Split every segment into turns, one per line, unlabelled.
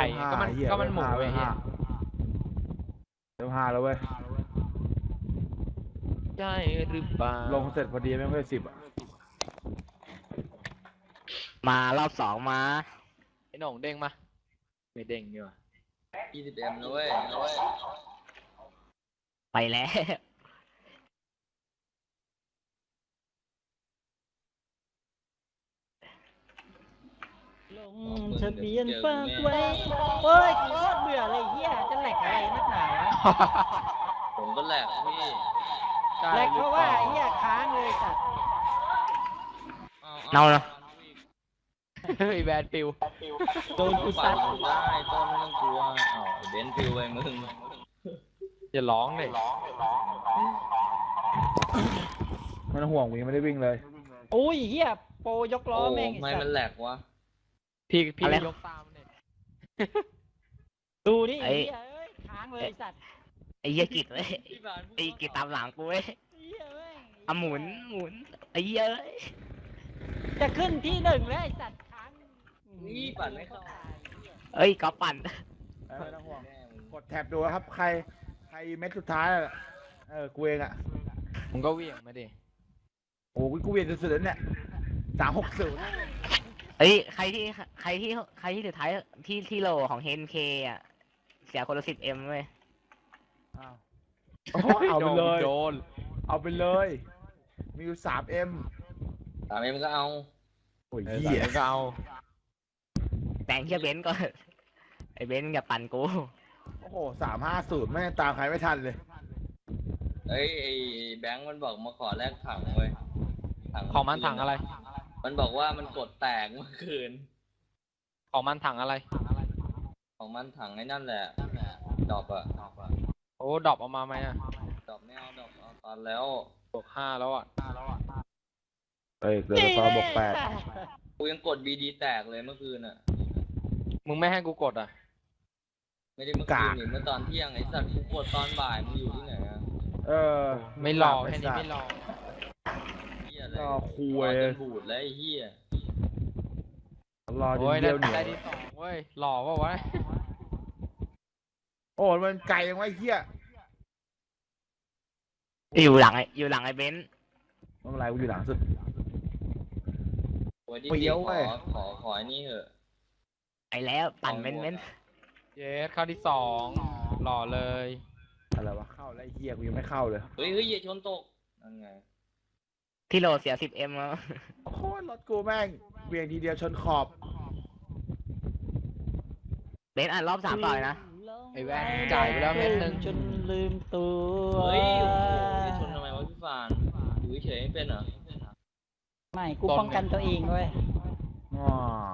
ก็มันหมูไอ้เหี้ย
เดี๋ยว5แล้วเว้ย
ใช่หรือเปล่า
ลงเสร็จพอดีไม่ค่อย10อ่ะ
มารอบ2มา
ไอ้หน่องเด้งมาไม่เด้งดีกว่า
20M นะเว้ย
ไปแล้ว
ลงทะเบียนฝากไว้เฮ้ยกูโคตรเบื่อเลยเฮียจะแหลกอะไรนักหนาวะ
ผมก็แหลกพี่
แหลกเพราะว่าเฮียค้างเลยสัตว์
เน่าเนาะ
เฮ้ยแบนปิว
โดนกูซัด
ได้ต้นไม่ต้องกลัวเบนฟิวไปมึง
อย่าร้องเลย
ไม่ต้องห่วงกูยังไม่ได้วิ่งเลย
อุ้ยเฮียโปรยกล้อ
โอ้
แม่ง
ไม่
ไอ้สั
มั
ต
น
ว์
แหลกวะ
พี่ยกตามเนี่ย
ดูนี่ไอ้เฮียเอ้ยค้างเลยสัตว์
ไอ้เหี้ยกิดเว้ยไอ้กิดตามหลังกูเว้ย
เฮียเว้ย
อ่ะหมุนไอ้เหี้ยเอ้ย
จะขึ้นที่1แล้วไอ้สัตว์ค้าง
นี่ปั่นไม่เข้า
เอ้ยก็ปั่น
ไม่ต้องห่วงกดแท็บดูครับใครเม็ดสุดท้ายกูเองอ่ะ
มึงก็เวี่ยงมาดิ
โอ้กูเวียนสุดๆแล้วเนี่ย360
เอ้ยใครที่สุดท้ายที่โลของเฮนเคอ่ะเสียคนละ10M เว้ย
อ้าวเอาไปเลย
โดน
เอาไปเลยมีอยู่3M
3M ก็เอา
โอ้ย
เออ
เหี้ย
ก็เอา
แต่งเชี่ยเบนซ์ก่อนไอ้เบนซ์อย่าปั่นกู
โอ้โห350แม่งตามใครไม่ทันเลย
เอ้ยไอ้แบงค์มันบอกมาขอแลกถังเว้ย
ของมันถังอะไร
มันบอกว่ามันกดแตกเมื่อคืน
ของมันถังอะไร
ของมันถังไอ้นั่นแหละดอกอะ
โอ้ดรอปออกมาไหมอะ
ดอกไม่เอาดอกเอาตอนแล้ว
บวก5แล้วอ่ะ
เอ้ยเกิดตอนบวก8
กูยังกด BD แตกเลยเมื่อคืนอะ
มึงไม่ให้กูกดอ่ะ
ไม่ได้เมื่อคืนนี่เมื่อตอนเที่ยงไอ้สัตว์กูกดตอนบ่ายมึงอยู่ที่ไหนอะ
ไม่รอแค่นี้ไม่รอ
เหี้ยอะไร
รอคุ
รอย จนบูดแล้วไอ้เหี้ย
รอจน
โอ้ย
เดียวเหนียว
ได้ที่2เว้ยหล่อเปล่าวะ
โอ้มันไกลยังไงเหี้ย
อยู่หลังไอ้เบนซ์
ไม่เป็นไรกูอยู่หลังสุด
โอ้ยที่
เปรี้ยวเว้ย
ขอไอ้นี่เหอะ
ไอ้แล้วปั่นเบนซ์
เยสเข้าที่2หล่อเลย
อะไรวะเข้าแล้วไอ้เหี้ยกูยังไม่เข้าเลย
เฮ้ยอย่าชนตกนั่นไง
ที่โลเสีย10M แล้ว
โคตรรถกูแม่งเวียงทีเดียวชนขอบ
เบนซ์อ่ะรอบ3ต่อยนะ
ไอ้แว่นจ่ายไปแล้วเม็ดนึง
จนลืมตัว
เฮ้ยโอ้โหจะชนทำไมวะพี่ฟานอยู่เฉยๆไม่เป็นเหรอ
ไม่กูป้องกันตัวเองเว้ย
อ๋อ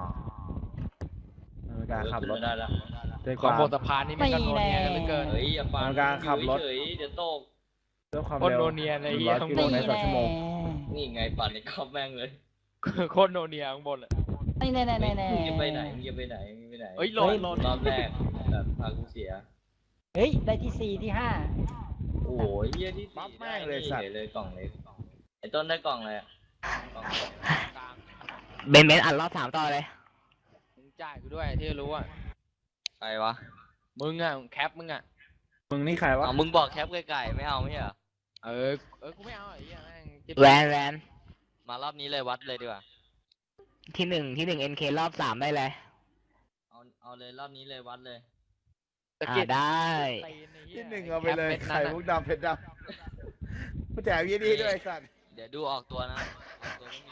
ในการขับรถ
ไม่ได้ละ
ด้วย
ข
ค
อง
วาม
บนสะพานนี่ไม่กันโนเนียกันเหลือเกิน
เฮ้ยอย่าฟาน
ในการขับรถ
อยู่เฉยๆเดี๋ยวตก
ด้วยความ
โคตร
เร็ว
โนเนียเลยไอ้เหี้ย
100
ข้าง
กิ
บ
โล
น
เมตรต่อชั่วโมง
นี่ไงปั่นในกรอบแม่งเลย
โคตรโนเนียข้างบนเลย
นี่แน่แน่แน่แน่
มึงจะไปไหนมึงจะไปไหนมึงไปไหน
เฮ้ยโหลด
รอบแรกแบบพากูเสีย
เฮ้ยได้ที่4ที่5
โอ้ยเหี้ยที่
ปั๊
สี่
บแม่งเลยสัตว์
ฉเลยกล่องเล็กไอ้ต้นได้กล่องอะไรอะกล่อง
กลาง
เบนซ์อ่ะรอบ3ต่อเลย
มึงจ่ายกูด้วยที่รู้อ่ะ
ใครวะ
มึงอ่ะแคปมึงอ่ะ
มึงนี่ใครวะ
เอามึงบอกแคปไก่ๆไม่เอาไม่เหรอ
เออกูไม่เอาไอ้เหี้ยแม่งจิ๊บ
แวน
มารอบนี้เลยวัดเลยดีกว่า
ที่1 NK รอบ3ได้เลย
เอาเลยรอบนี้เลยวัดเลย
ตะกิด
ได้
ตีนไอ้หี้
ที่1เอาไปเลย
แคป
ไข่
ม็ด
มุ
นั้น
กดำเพชรดำผู้แจกยี่ดีด้วยไอ้สัตว์
เดี๋ยวดูออกตัวนะออกตัวไม่มี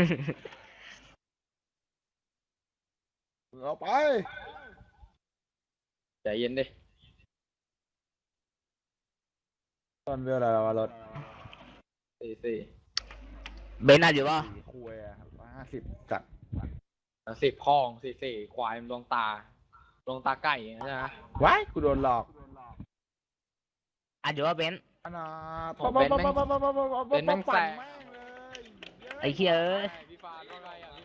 มึงเอาไป
ใจเย็นดิ
ตอนเวลาเรารถ
4
เบนซ์อ่ะอยู่ป่ะ
คุยอ่ะ150จัด
10คลอง4ควายมันดวงตาไก่ใช่ไหม
ว้ายกูโดนหลอก
อ่ะอยู่ว่าเบนซ์
อันน่ะ
ของเบนซ์แม่งเบนซ์แม่งแสบ
ไอ้เหี้ยเอ้ย
พี่ฟานว่าไงอ่ะ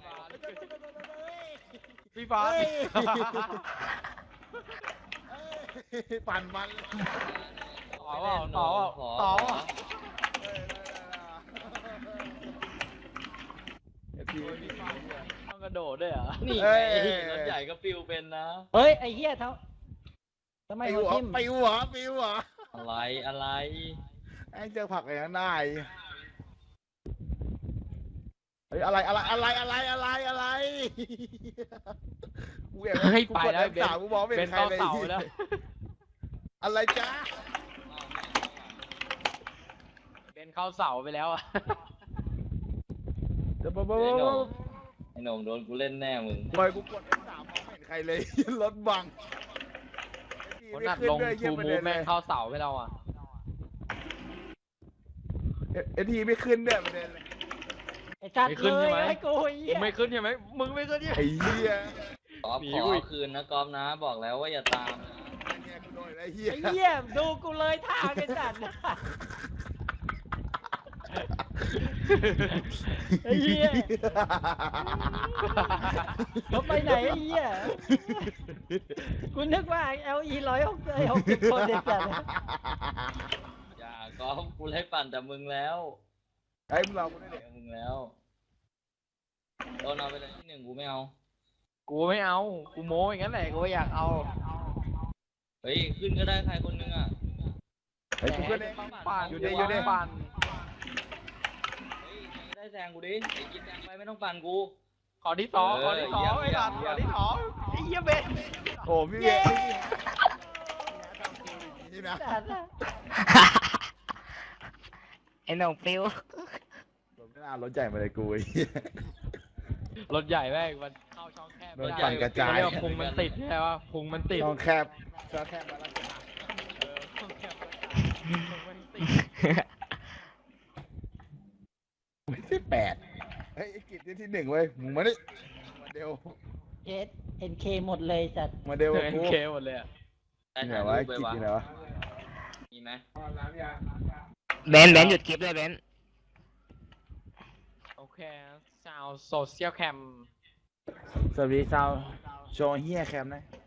พี่ฟาน
ปั่นมัน
ต่อเปล่าต่อเปล่าต่อเปล่า
เอฟพี
ทำกระโดดด้วยเหรอ
นี่
เอ้
ไง
ย
รถใหญ่ก็ปิวเป็นนะ
เฮ้ยไอ้เหี้ยทำไม
ปิ
หั
ว
ว
เหรอ
ทิ่ม
ปิวเหรอปิวเหรอ
อะไร
ไอ้เจอผักอะไรนั้นได้เฮ้ยอะไรกูเห็น
เฮ้ย
กู
ไป
กด
แล้ว
F3 กูมองไม่
เป็
เห็
น
นใคร
เข้า
เลย
เสาแล้ว
อะไรจ้า
เป็นเข้าเสาไปแล้วอ่ะ
เดี๋ยวบ๊
ไอ้หน
บ
งไอ้หนงโดนกูเล่นแน่มึง
ปล่อยกูกด F3 มองไม่เห็นใครเลย รถบัง
คนอัดลงทูมูฟแม่งเข้าเสาไปแล้วอ่ะ
เอทีไม่ขึ้นด้วยประเด็นเลย
ไอ้จัด
ไม่ขึ้น
เล
ใช่
ย
ไหม
ไอ้กูไอ้
มึ
เหี้
ง
ย
ไม่ขึ้นใช่ไหมมึงไม่ขึ้นใช่ไหม
ไอ้เหี้ย
กอล์ฟ
หนี
ขอ
กูอีก
เอาคืนนะกอล์ฟนะ บอกแล้วว่าอย่าตามนะ
เนี่ยกูโดนไอ้เหี้ย
ไอ้เหี้ยดูกูเลยทางไอ้จัดไอ้เหี้ยเขาไปไหนไอ้เหี้ยกูนึกว่า LE 160 คนเด็ดจัด
อย่ากอล์ฟกูไล่ปั่นแต่มึงแล้ว
ไอ้มึงเรากูได้เด็ก
มึงแล้วโดนเอาไปเลยที่หนึ่งกูไม่เอา
กูไม่เอา กูโม้อย่างนั้นแหละกูไม่อยากเอา
เฮ้ยขึ้นก็ได้ใครคนนึงอ่ะ
ไอ้กูก็ได้
ปั่น
อยู่ดิอยู่ดิ
ปั่น
เฮ้ยใครก็ได้แซงกูดิไอ้กินแซงไปไม่ต้องปั่นกู
ขอที่สองขอที่สองไอ้หลานขอที่สองไอ้เหี้ยเบน
โอ้พี่เบียร์นี่นะ
จัดอะ
ไอ้หนงปลิว
ผมไม่น่ารถใหญ่มาเลยกูไอ้เหี้ย
รถใหญ่แม่งมันเข้าช่องแคบ
รถปั่นกระจาย
เรียกว่าพุงมันติดใช่ปะพุงมันติด
ช่องแคบช่องแคบมาแล้วจ้ะ
พุงมันติด
ไม่ใช่8เฮ้ยไอ้กิจที่1เว้ยมึงมาดิมาเดว
เจ็ด NK หมดเลยจัด
มาเดว
เอ
กับกู
เคหมดเลยอะ
ได้
ที่ไหน
ถ่ายว
ะ
รู
ไอ้
ปไป
กิจ
วะ
ที่ไหนวะ
มีไหม
เบนหยุดคลิปเลยเบน
โอเคชาวโซเชียลแคม
สวัสดีชาวโชว์เฮียแคมนะ